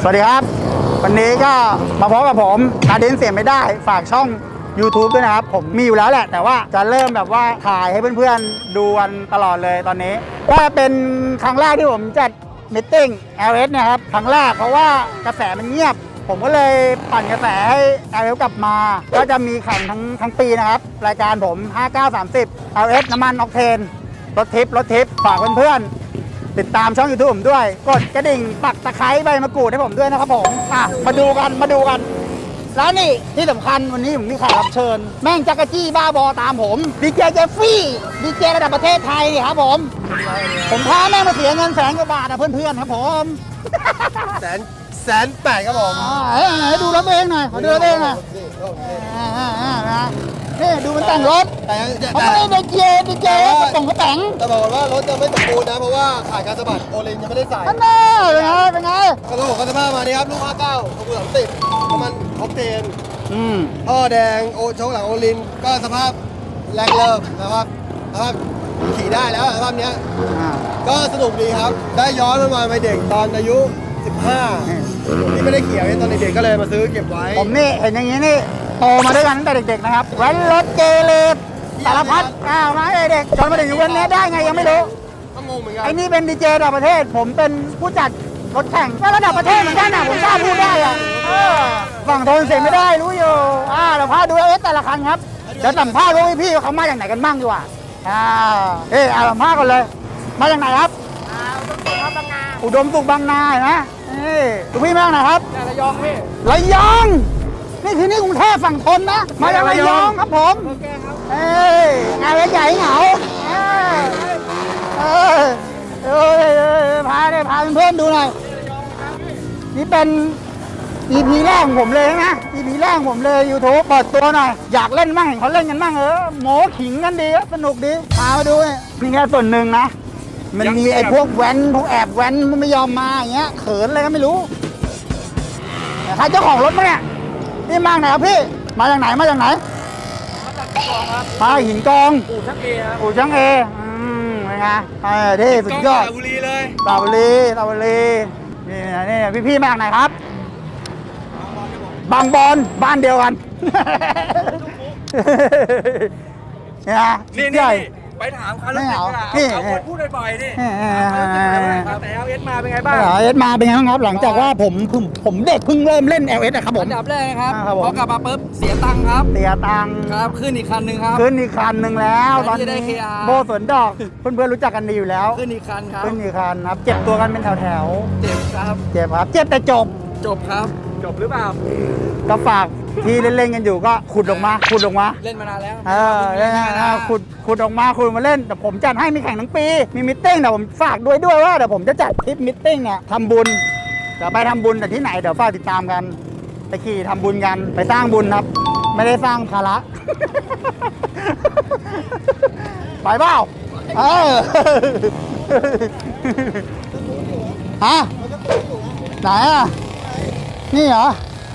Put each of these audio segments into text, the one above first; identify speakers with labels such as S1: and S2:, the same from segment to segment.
S1: สวัสดีครับวันนี้ก็มาพบกับผมนาดินเสียไม่ได้ฝากช่อง YouTube ด้วยนะครับผมมีอยู่แล้วแหละแต่ว่าจะเริ่มแบบว่าถ่ายให้เพื่อนๆดูกันตลอดเลยตอนนี้ก็เป็นครั้งแรกที่ผมจัดมิทติ้ง LS นะครับครั้งแรกเพราะว่ากระแสมันเงียบผมก็เลยปั่นกระแสให้ LS กลับมาก็จะมีแข่งทั้งปีนะครับรายการผม 5930 LS น้ำมันออกเทนรถทิปฝากเพื่อนๆติดตามช่อง YouTube ผมด้วยกดกระดิ่งปักตะไคร้ใบมะกรูดให้ผมด้วยนะครับผมมาดูกันแล้วนี่ที่สำคัญวันนี้ผมมีแขกรับเชิญแม่งจักรจี้บ้าบอตามผมดีเจเจฟฟี่ดีเจระดับประเทศไทยนี่ครับผมพาแม่งมาเสียเงินแสนกว่าบาทนะเพื่อนๆครับผม
S2: แสนแปดครับผม
S1: ดูรถเองหน่อยขอดูรถเองหน่อยนี่ดูมันแต่งรถเขาไม่ได้ดีเจแต่งก็แต่ง
S2: แต่บอกว่ารถจะไม่สมบูรณ์นะเพราะว่าขาดการสะบัดโอลินยังไม่ได้ใส่
S1: นั่นแน่เป็นไง
S2: กระโหลกกระสภาพมานี่ครับลูก59ขบวน30น้ำมันออกเทนท่อแดงโอโชคหลังโอลินก็สภาพแรงเริ่มนะครับสภาพขี่ได้แล้วสภาพเนี้ยก็สนุกดีครับได้ย้อนมาไปเด็กตอนอายุ15ที่ไม่ได้ขี่ตอนเด็กๆก็เลยมาซื้อเก็บไว้
S1: ผมนี่เห็นอย่างนี้นี่โตมาด้วยกันตั้งแต่เด็กๆนะครับแว้นรถเกเรสารพัดมาเด็กจนมาถึงวันนี้ได้ไงยังไม่รู้
S2: ก็งงเหมือนกัน
S1: ไอ้นี่เป็นดีเจระดับประเทศผมเป็นผู้จัดรถแข่งก็ระดับประเทศเหมือนกันนะผมกล้าพูดได้อะฝั่งทนเสียไม่ได้รู้อยู่เราพาดูแต่ละคันครับเดี๋ยวสัมภาษณ์พี่ๆเขามาจากไหนกันบ้างดีกว่าสัมภาษณ์กันเลยมาจากไหนครับอุดมสุขบางนาเห็นไหมดูพี่มาจากไหนครับ
S2: ระยองพี่
S1: ระยองนี่คือนี่กรุงเทพฝั่งทนนะมาจากระยองครับผมงานใหญ่เหงาพาเพื่อนดูหน่อยนี่เป็น EP แรกของผมเลยนะ EP แรกของผมเลย YouTube เปิดตัวหน่อยอยากเล่นบ้างเห็นเขาเล่นกันบ้างโม้ขิงกันดีสนุกดีพามาดูนี่แค่ส่วนหนึ่งนะมันมีไอ้พวกแว้นพวกแอบแว้นมันไม่ยอมมาอย่างเงี้ยเขินอะไรก็ไม่รู้ใครเจ้าของรถมั้งเนี่ยนี่มาไหนครับพี่มาจากไหนมาจากหินกอง
S2: อู่ช่างเอครับ
S1: อู่ช่างเอเป็นไงที่สุดยอด
S2: สระบุรีเลย
S1: สระบุรีนี่พี่มาจากไหนครับบางบอนบ้านเดียวกัน
S2: นี่ไปถามเขาแล้วเอาคนพูดบ่อยๆนี่แต่ LS มาเป็นไงบ้าง
S1: LS มาเป็นไงบ้างครับหลังจากว่าผมเด็กเพิ่งเริ่มเล่น LS นะครับผม
S3: อันดับแรกนะครับพอกลับมาปุ๊บเสียตังค์ครับครับขึ้นอีกคันหนึ่งครับ
S1: ขึ้นอีกคันหนึ่งแล้วตอนนี้โบสวนดอกเพื่อนๆรู้จักกันดีอยู่แล้ว
S3: ขึ้นอีกคันครับ
S1: เจ็บตัวกันเป็นแถว
S3: เจ็บครับ
S1: เจ็บแต่จ
S3: บครับ
S2: จบหรือเปล่า
S1: ก็ฝากที่เล่นกันอยู่ก็ขุดออกมา
S3: เล่นมานานแล้ว
S1: ขุดออกมาเล่นแต่ผมจัดให้มีแข่งทั้งปีมีมิทติ้งแต่ผมฝากด้วยว่าเดี๋ยวผมจะจัดทริปมิทติ้งเนี่ยทำบุญจะไปทำบุญแต่ที่ไหนเดี๋ยวฝากติดตามกันไปขี่ทำบุญกันไปสร้างบุญครับไม่ได้สร้างภาระไปเปล่าฮะไหนนี่เหรอ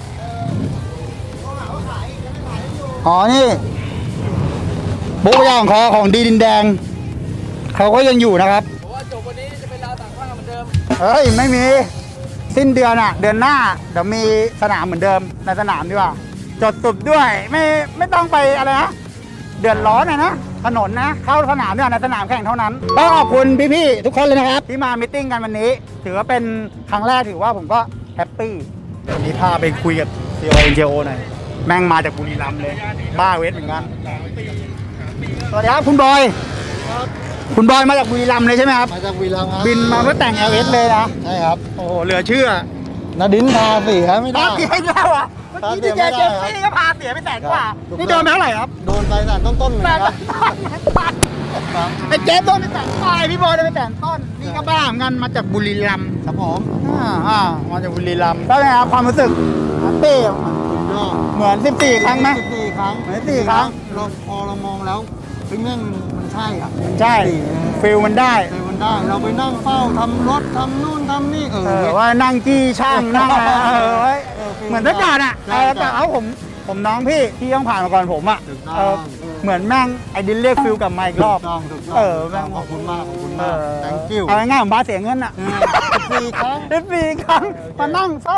S1: นี่บุ๊กย่างของดีดินแดงเขาก็ยังอยู่นะครับ
S3: ผมว่าจบวันนี้จะเป็นราวต่างข้างเหมือนเดิม
S1: ไม่มีสิ้นเดือนเดือนหน้าเดี๋ยวมีสนามเหมือนเดิมในสนามดีกว่าจดตุบด้วยไม่ต้องไปอะไรนะเดือดร้อนนะถนนนะเข้าสนามด้วยในสนามแข่งเท่านั้นต้องขอบคุณพี่ๆทุกคนเลยนะครับที่มามิทติ้งกันวันนี้ถือว่าเป็นครั้งแรกถือว่าผมก็แฮปปี้วันนี้พาไปคุยกับCONJO หน่อยแม่งมาจากบุรีรัมย์เลยบ้าเวทเหมือนกันสวัสดีครับคุณบอยมาจากบุรีรัมย์เลยใช่ไหมครับ
S2: มาจากบุรีรัมย์ครับ
S1: บินมาเพื่อแต่ง LS เลยนะ
S2: ใช่ครับ
S1: โอ้โหเหลือเชื่อ
S2: นาดินพาเสียไม่ได้
S1: เสียอีกแล้วอ่ะเมื่อกี้ดีเจเจฟฟี่ก็พาเสียไปแสนกว่านี่โดนไปเท่าไหร่ครับ
S2: โดนไปแสนต้นเหมือนกัน
S1: ไอ้เจฟโดนไปแสนปลายพี่บอยโดนไปแสนต้นนี่ก็บ้าเหมือนกันมาจากบุรีรัมย์
S2: ครับผม
S1: มาจากบุรีรัมย์แล้วไงครับความรู้สึกเป้เหมือน14 ครั้งไหม
S2: 14 ครั้ง
S1: เหมือน14 ครั้ง
S2: พอเรามองแล้วเรื่องมันใช่
S1: ใช่ฟิลมันได้
S2: เราไปนั่งเฝ้าทำรถทำนู่นทำนี่
S1: ว่านั่งจี้ช่างนั่งเหมือนทุกอย่างแต่ผมน้องพี่ที่ต้องผ่านมาก่อนผมเหมือนแม่งไอ้ดินเรียกฟิลกลับมาอีกรอบ
S2: แม่งขอบคุณมากthank you
S1: เอาง่ายๆผมบ้าเสียเงิน
S2: 14 ครั้ง
S1: มานั่ง